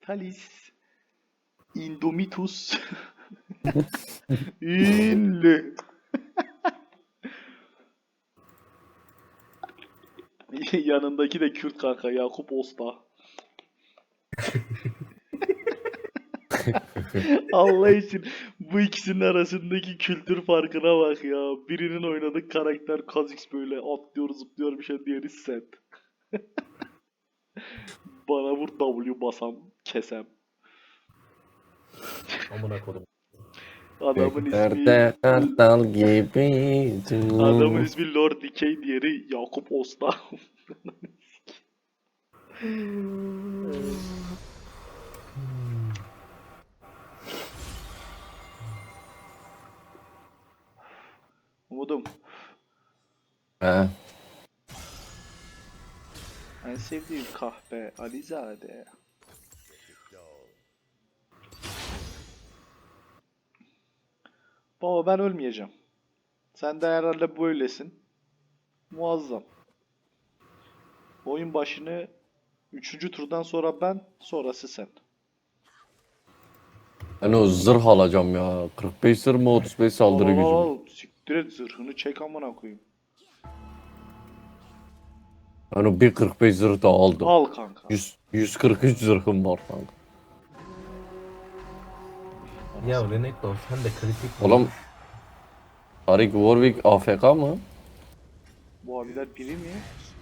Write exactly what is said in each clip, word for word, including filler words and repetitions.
Kalis Indomitus ünlü. Yanındaki de Kürt kanka Yakup Osta. Allah için bu ikisinin arasındaki kültür farkına bak ya. Birinin oynadığı karakter Kha'Zix böyle atlıyor zıplıyor bir şey, diğeri set. Bana vur W basam kesem. Amına kodum. Adamın ismi Göklerde kartal gibi. adamın ismi Lord Decay, diğeri Yakup Osta. Umudum. He. En sevdiğim kahpe Alizade. Baba ben ölmeyeceğim. Sen de herhalde böylesin. Muazzam. Oyun başını üçüncü turdan sonra ben, sonrası sen. Ben o zırh alacağım ya. kırk beş zırh mı otuz beş saldırı Al, al, gücü mü? al. Siktir et, zırhını çek amına koyayım. Ben o bir kırk beş zırh da aldım. Al kanka. yüz, yüz kırk üç zırhım var kanka. Ya Renekton sen de kritik mi? Oğlum Tarik Warwick A F K mı? Bu abiler biri mi?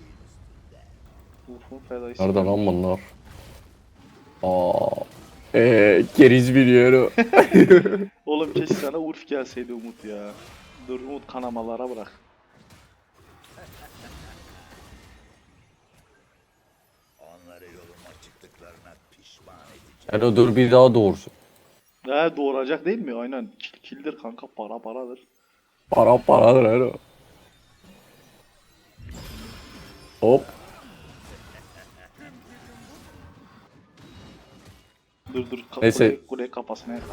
Ufun fedayısı. Nerede lan bunlar? Aa, eee keriz biliyorum. Oğlum keşke sana Urf gelseydi Umut ya. Dur Umut, kanamalara bırak. Onları yoluma çıktıklarına pişman edeceğim. Yani o dur bir daha doğursun. He, doğuracak değil mi? Aynen. Kil- Kildir kanka, para paradır. Para paradır her Hop. Dur dur. Ka Neyse. Kule, kule kafasına yakal.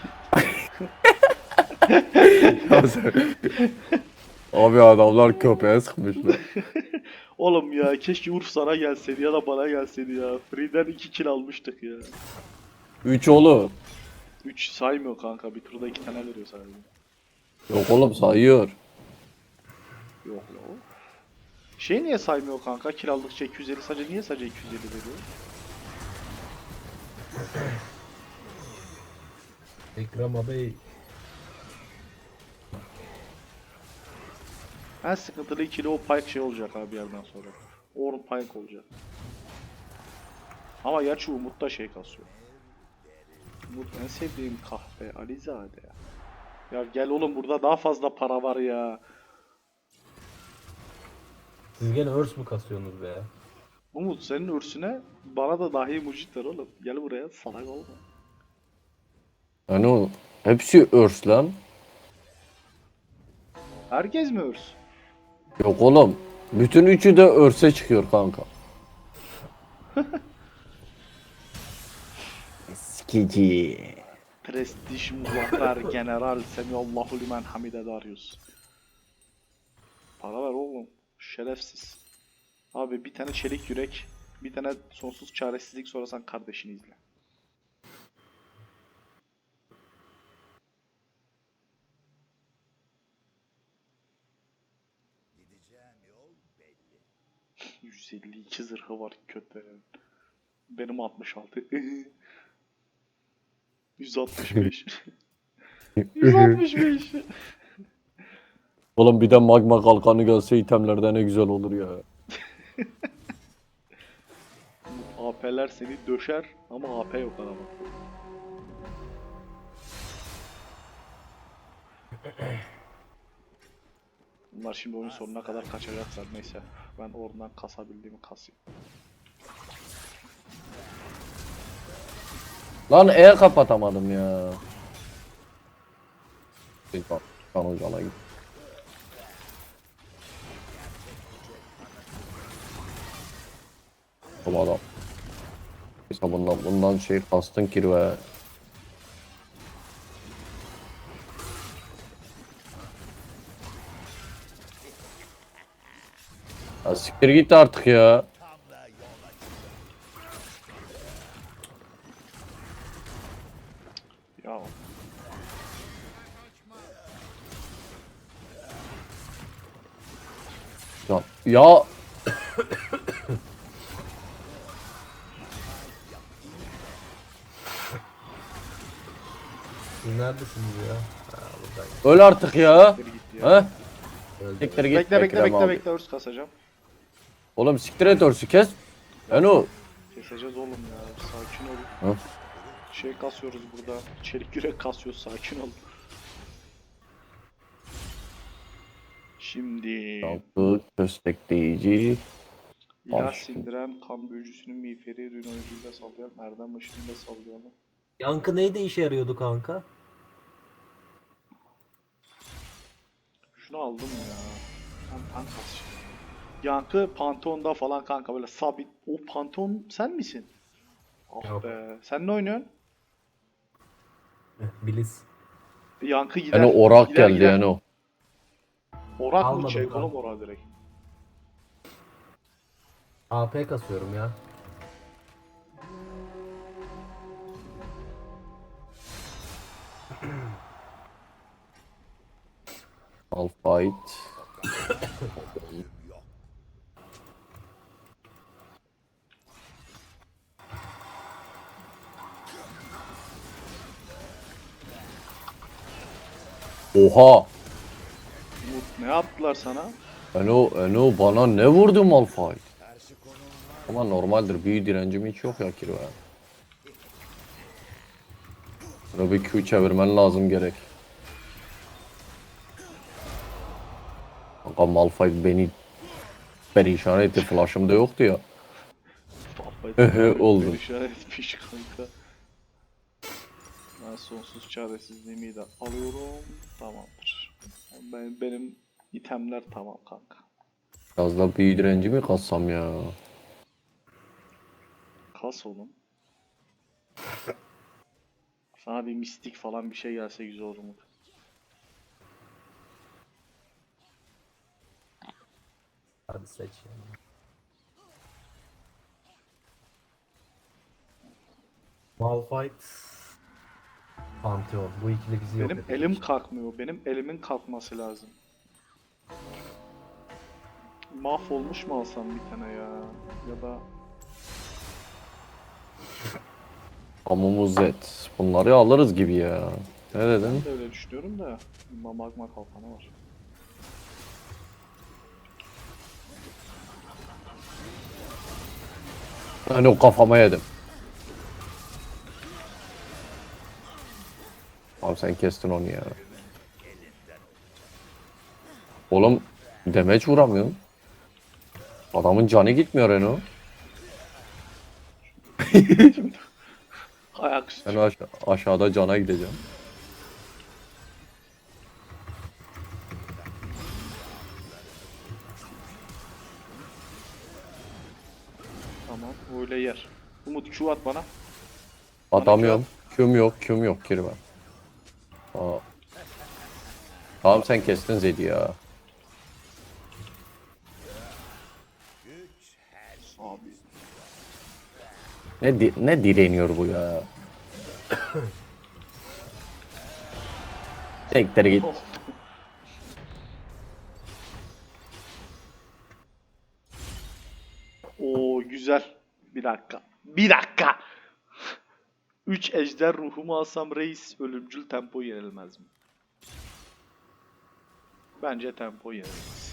Abi adamlar köpeğe sıkmışlar. Oğlum ya keşke Urf sana gelseydi ya da bana gelseydi ya. Free'den iki kill almıştık ya. üç oğlum. üç saymıyor kanka. Bir turda iki tane veriyor sadece. Yok oğlum sayıyor. Yok ya. Şey niye saymıyor kanka? Kill aldıkça iki yüz elli, sadece niye sadece iki yüz elli veriyor? Ekrem abi. En sıkıntılı ikili o Pyke şey olacak abi bir yerden sonra. Orn Pyke olacak. Ama gerçi Umut da şey kasıyor. Umut en sevdiğim kahve Alizade ya. Ya gel oğlum, burada daha fazla para var ya. Siz gene örs mü kasıyorsunuz be? Umut senin ürsüne bana da dahi mucit ver oğlum. Gel buraya, salak olma. Yani o hepsi örs lan. Herkes mi örs? Yok oğlum. Bütün üçü de örse çıkıyor kanka. Skici. Prestij Muzaffer General Semiyallahu Limen Hamide Darius. Para ver oğlum. Şerefsiz. Abi bir tane çelik yürek, bir tane sonsuz çaresizlik, sonra sen kardeşini izle. Gideceğim yol belli. yüz elli iki zırhı var kötü. Benim altmış altı. yüz altmış beş. yüz altmış beş. Oğlum bir de magma kalkanı gelse itemlerde ne güzel olur ya. A P'ler seni döşer ama A P yok adamın. Bunlar şimdi oyun sonuna kadar kaçacaklar, neyse. Ben oradan kasabildiğimi kasayım. Lan E kapatamadım ya. Bir bak, kan ocağına git. Tamam adam. İşte bundan, bundan şey kastın kirve. Ya siktir git artık ya. Ya, ya Siz neredesiniz ya? Ha, buradayım. öl artık ya. Geri gitti ya. He? Öldüm. Siktir git Bekle bekle Ekrem bekle abi. bekle örs kasacağım. Oğlum siktir et örsü kes. Eno. Keseceğiz oğlum ya. Sakin ol. Hı? Şey kasıyoruz burada. Çelik yürek kasıyoruz. Sakin ol. Şimdi Yaptı köstekleyici. ilah Al. sindiren kan büyücüsünün miğferi rün oyuncuyla sallayan erdem ışığında sallayan. Yankı neyde işe yarıyordu kanka? Şunu aldım ya. Tam tank kas. Yankı Pantheon'da falan kanka böyle sabit. O Pantheon sen misin? Ah Yok. be. Sen ne oynuyorsun? Eh, Biliz. Yankı gider. Eno orak gider, geldi gider. Eno. Orak mı? Almadım Çek ben. oğlum orak direkt. A P kasıyorum ya. Malphite. Oha. Umut ne yaptılar sana? Eno, Eno bana ne vurdu Malphite? Ama normaldir. Büyü direncim hiç yok ya Kirve. Bunu bir Q çevirmen lazım gerek. Kanka Malphite beni perişan etti. Flash'ım da yoktu ya. Ehe Oldu. Perişan etmiş kanka. Ben sonsuz çaresizliğimi de alıyorum. Tamamdır. Ben, benim itemler tamam kanka. Biraz da büyü direnci mi kassam ya? Kas oğlum. Sana bir mistik falan bir şey gelse güzel olur mu? Hadi seç yani. Malphite. Pantheon. Bu ikili bizi yok Benim edecek. elim kalkmıyor. Benim elimin kalkması lazım. Mahvolmuş mu alsam bir tane ya? Ya da Hamumuz et. Bunları alırız gibi ya. Ne dedin? ben de öyle düşünüyorum da Ma- magma kalkanı var. Hani o kafama yedim. Abi sen kestin onu ya. Oğlum demeç vuramıyorsun. Adamın canı gitmiyor Eno. Ayak üstü. Ben aşa- aşağıda cana gideceğim. Tamam öyle yer. Umut Q at bana. Atamıyorum. Küm yok, küm yok kirve. Aa. Tamam sen kestin Zed'i ya. Abi. Ne di- ne direniyor bu ya? Tekrar git. Oo güzel. Bir dakika. Bir dakika. üç ejder ruhumu alsam reis ölümcül tempo yenilmez mi? Bence tempo yenilmez.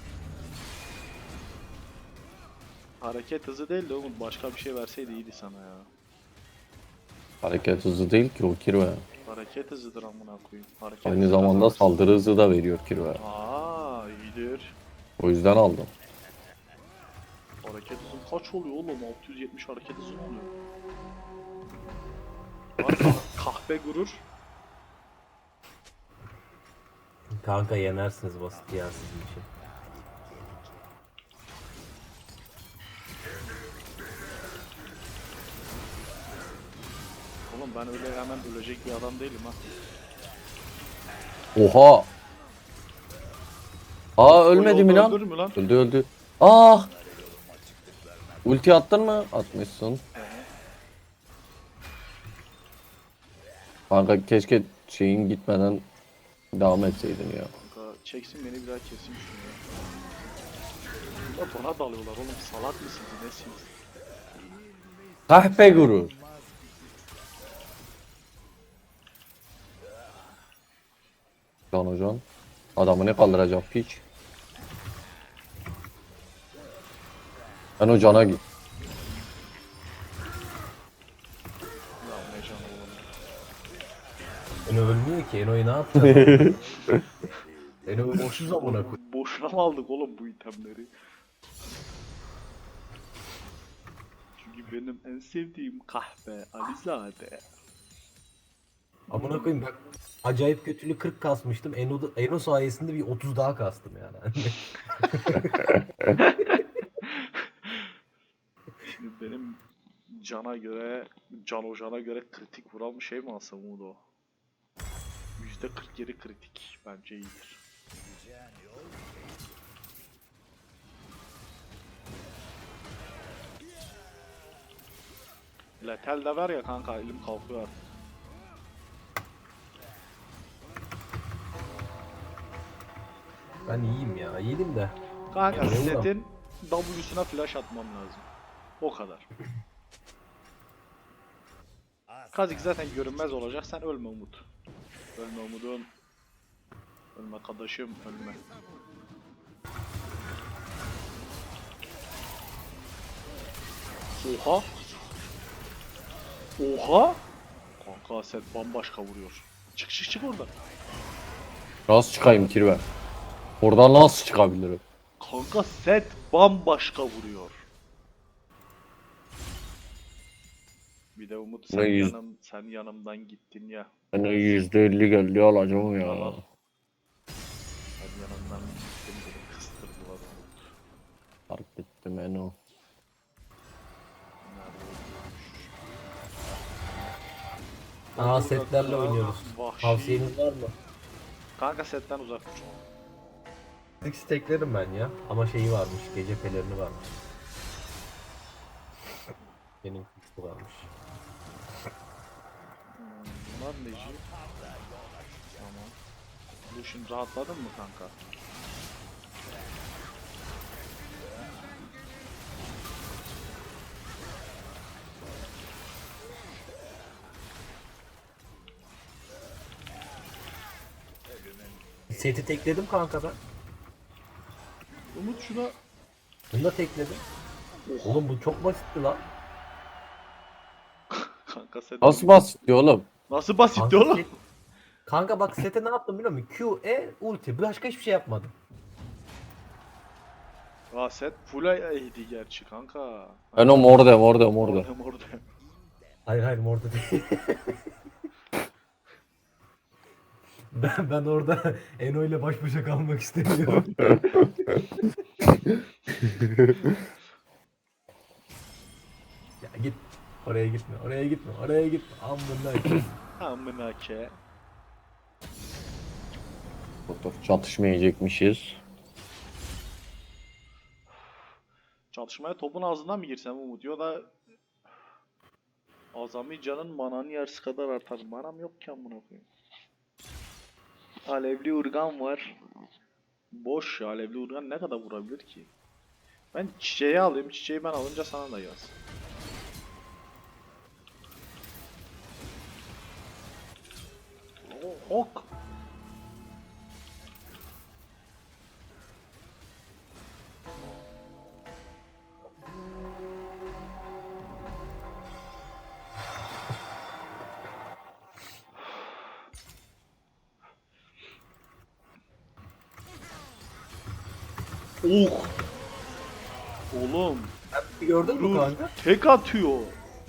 Hareket hızı değil de Umut başka bir şey verseydi iyiydi sana ya. Hareket hızı değil ki o kirve. Hareket hızıdır amına koyayım. Hareket Aynı hızı zamanda kazanırsın. saldırı hızı da veriyor kirve. Aa iyidir. O yüzden aldım. Hareket hızın kaç oluyor oğlum? altı yüz yetmiş hareket hızı mı oluyor? Bak kahpe gurur. Kanka yenersiniz basit ya sizin için. Oğlum ben öyle hemen ölecek bir adam değilim ha. Oha! Aa ölmedi mi lan? Öldürür mü lan? Öldü öldü. Ah! Ulti attın mı? Atmışsın. Kanka keşke şeyin gitmeden devam etseydin ya. Kanka çeksin beni bir daha kesin şunu ya. Adamlar bana dalıyorlar oğlum, salak mısınız nesiniz? Kahpe gurur. Can hocam. Adamı ne kaldıracak piç? Ben o cana git. Ya ne canı oğlum. Eno ölmüyor ki. Eno'yu ne yapacağız? Eno ölmüşüz amına koy. Boşuna mı aldık oğlum bu itemleri? Çünkü benim en sevdiğim kahve Alizade. Amına koyayım bak. Acayip kötülük kırk kasmıştım. Eno, Eno sayesinde bir otuz daha kastım yani. Şimdi benim cana göre, can hocana göre kritik vuran bir şey mi alsam Umudo? yüzde kırk yedi kritik bence iyidir. Gideceğin yol Letel de ver ya kanka, elim kalkıyor. Ben iyiyim ya. İyiydim de. Kanka Ya, setin W'suna flash atmam lazım. O kadar. asla Kazik zaten görünmez olacak, sen ölme Umut. Ölme Umud'um. Ölme kardeşim, ölme. Oha! Oha! Kanka set bambaşka vuruyor. Çık çık çık oradan. Nasıl çıkayım kirve? Oradan nasıl çıkabilirim? Kanka set bambaşka vuruyor. Bir de Umut sen Ne yüz- yanım sen yanımdan gittin ya. Ben yüzde elli geldi alacağım ya. Al. Sen yanımdan gittin, beni kıstırdılar Umut. Fark ettim Eno. Nerede öldürmüş? Aa setlerle oynuyoruz. Vahşi. Tavsiyeniz var mı? Kanka setten uzak dur. Tek steklerim ben ya. Ama şeyi varmış. Gece pelerini varmış. Benim kuşu varmış. Hmm, bunlar neci? Tamam. Bu şimdi rahatladın mı kanka? Seti tekledim kanka ben. Umut şuna... Bunu da tekledim. Oğlum bu çok basitti lan. Kanka set... Nasıl basit diyor oğlum? Nasıl basit Kanka, oğlum? set- kanka bak sete ne yaptım biliyor musun? Q, E, ulti. Başka hiçbir şey yapmadım. Aa set full A D gerçi kanka. Eno morde morde morde. Orada orada. Hayır hayır orada değil. ben, ben orada Eno ile baş başa kalmak istemiyorum. Ya git. Oraya gitme. Oraya gitme. Oraya gitme. Amına. Amına ke. Dur, çatışmayacakmışız. Çatışmaya topun ağzından mı girsem Umut? Ya da... Azami canın mananın yarısı kadar artar. Manam yok ki amına koyayım. Alevli urgan var. Boş ya, alevli urgan ne kadar vurabilir ki? Ben çiçeği alayım. Çiçeği ben alınca sana da yaz. O- Ok. Oh. Oğlum. Gördün mü Dur. kanka? Tek atıyor.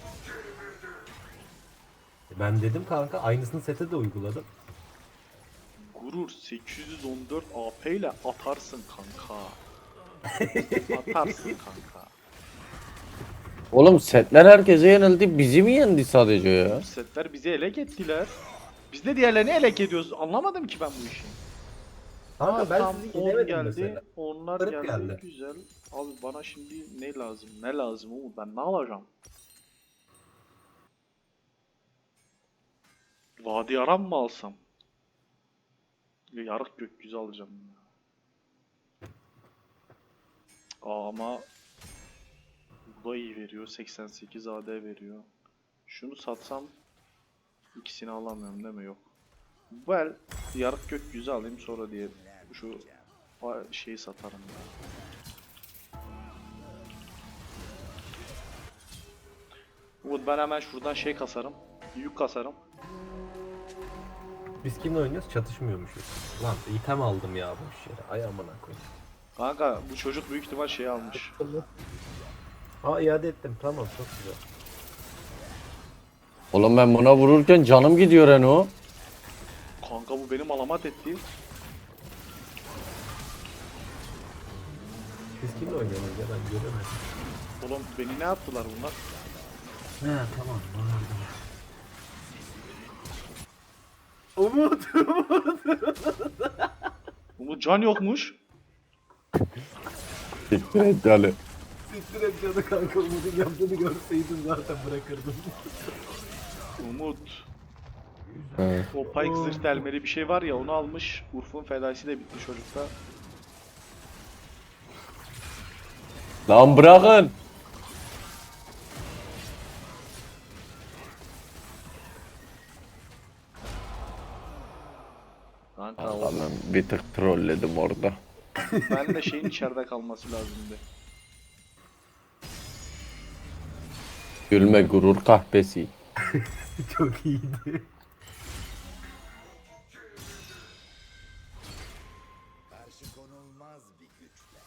Ben dedim kanka aynısını sete de uyguladım. Gurur sekiz yüz on dört A P ile atarsın kanka. Atarsın kanka. Oğlum setler herkese yenildi. Bizi mi yendi sadece ya? Setler bizi ele gettiler. Biz de diğerlerini ele ediyoruz. Anlamadım ki ben bu işi. Kanka ben Tam sizi on yenemedim geldi. mesela. Onlar Garip geldi. geldi. Güzel. Abi bana şimdi ne lazım? Ne lazım Umut? Ben ne alacağım? Vadi Aram mı alsam? Ya yarık gökyüzü alacağım. Aa, ama bu da iyi veriyor. seksen sekiz A D veriyor. Şunu satsam ikisini alamıyorum değil mi? Yok. Well, yarık gökyüzü alayım sonra diye şu a- şeyi satarım ya. Umut ben hemen şuradan şey kasarım. Yük kasarım. Biz kimle oynuyoruz? Çatışmıyormuşuz. Lan item aldım ya boş yere. Ay amına koyayım. Kanka bu çocuk büyük ihtimal şey almış. Aa iade ettim. Tamam çok güzel. Oğlum ben buna vururken canım gidiyor Eno. Kanka bu benim alamat etti. Biz kimle oynuyoruz ya ben göremedim. Oğlum beni ne yaptılar bunlar? He tamam. Anladım. Umut. Umut can yokmuş. Siktir et yani. Siktir et canı kanka Umut'un yaptığını görseydin zaten bırakırdım. Umut. He. O Pike zırh delmeli bir şey var ya onu almış. Urf'un fedaisi de bitti çocukta. Lan bırakın. Kanka o, Allah ben bir tık trolledim orada. ben de şeyin içeride kalması lazımdı. Gülme gurur kahpesi. Çok iyiydi. Karşı konulmaz bir güçle.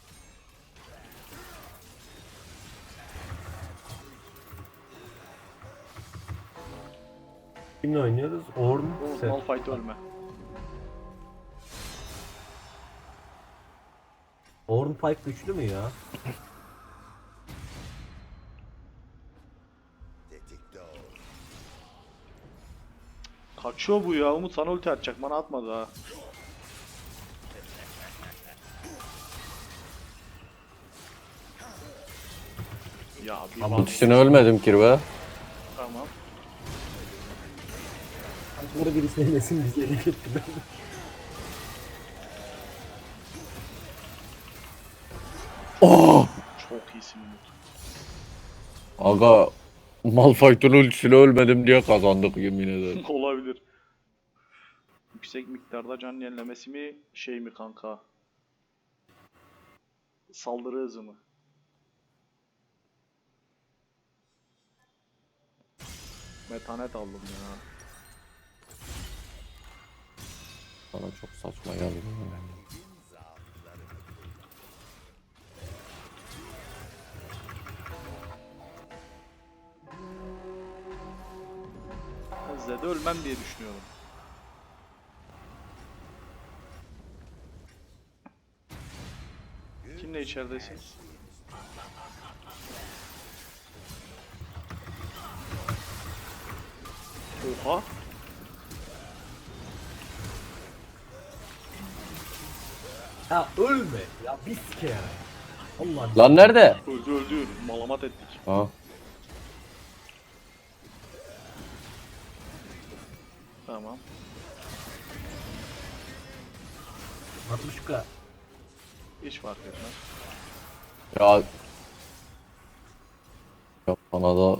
Kimle oynuyoruz? Orn. Umut Sen. Malphite ölme. Orn Pike güçlü mü ya? Tetikte ol. Kaçıyor bu ya. Umut sana ulti atacak. Bana atmadı ha. Ya bir Ama bak. Ultisine ölmedim kirve. Tamam. Bunları biri sevmesin bizi elik ettiler. Oh! Çok iyisin Umut. Aga Malphite'ın ultisine ölmedim diye kazandık yemin ederim. Olabilir. Yüksek miktarda can yenilemesi mi şey mi kanka? Saldırı hızı mı? Metanet aldım ya. Bana çok saçma geldi. Zed'e ölmem diye düşünüyorum. Kimle içeridesiniz? Oha! Ya ölme. Ya bir kere. Allah. Lan nerede? Öldü öldü. Malamat ettik. Ha. Tamam. Matruşka. Hiç fark etmez. Ya. Ya bana da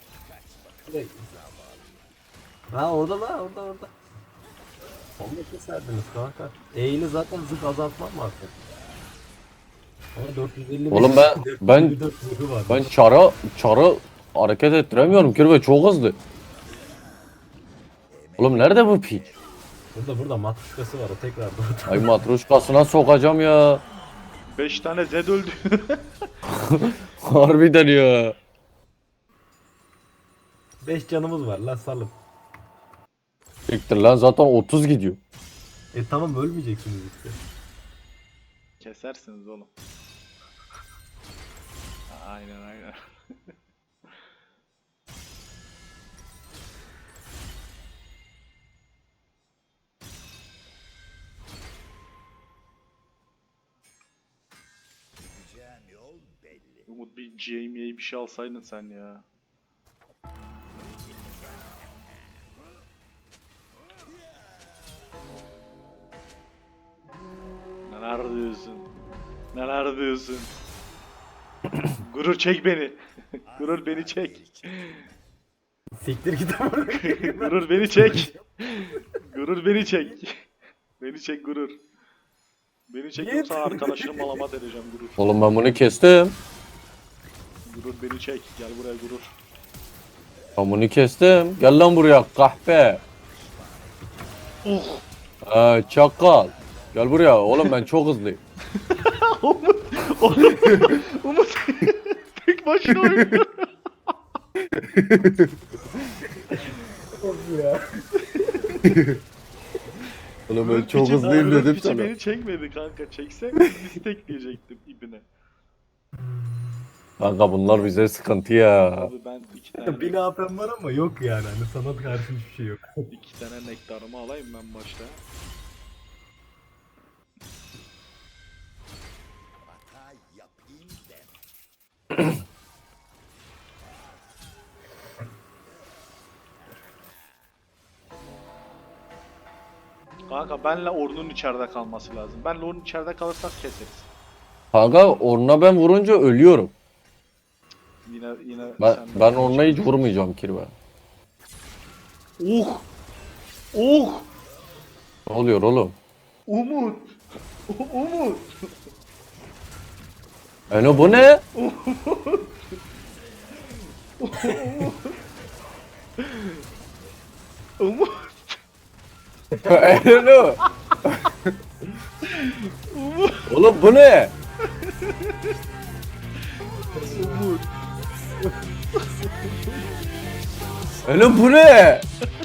Ha orada la orada orada. Onu keserdiniz kanka. E ile zaten zırh azaltmam mı artık? Ama dört yüz elli Oğlum ben- ben- dört yüz elli dört zırhı var. ben çara çara hareket ettiremiyorum kirve çok hızlı. Oğlum nerede bu piç? Burada burada matruşkası var o tekrar burada. Ay matruşkasına sokacağım ya. beş tane Zed öldü. Harbiden ya. beş canımız var lan salın. Siktir lan zaten otuz gidiyor. E tamam ölmeyeceksiniz işte. Kesersiniz oğlum. Aynen aynen. Gideceğim yol belli. Umut bir Jamie'ye bir şey alsaydın sen ya. Neler diyorsun? Neler diyorsun? Gurur çek beni. Gurur beni çek. Siktir git ama. Gurur beni çek. Gurur beni çek. Beni çek gurur. Beni çek Git. yoksa arkadaşını malama vereceğim gurur. Oğlum ben bunu kestim. Gurur beni çek. Gel buraya gurur. Ben bunu kestim. Gel lan buraya kahpe. Uh. Ee, çakal. Gel buraya. Oğlum ben çok hızlıyım. Umut. Umut. Umut. Tek başına oynuyor. ya. Oğlum ben Gurur çok piçi- hızlıyım Gurur dedim piçi sana. beni çekmedi kanka. Çekse destekleyecektim ibine. Kanka bunlar bize sıkıntı ya. Abi ben iki tane, Bir A P'm var ama yok yani. Hani sana karşı hiçbir şey yok. iki tane nektarımı alayım ben başta. Hata yapayım deme. Kanka benle Ornn'un içeride kalması lazım. Benle Ornn içeride kalırsak keseriz. Kanka oruna ben vurunca ölüyorum. Yine yine Ben, sen- ben oruna hiç vurmayacağım kirve. Uh! Uh! Ne oluyor oğlum? Umut! Umut! Eno bu ne? Umut! Eno. Oğlum bu ne? Umut! Eno bu ne?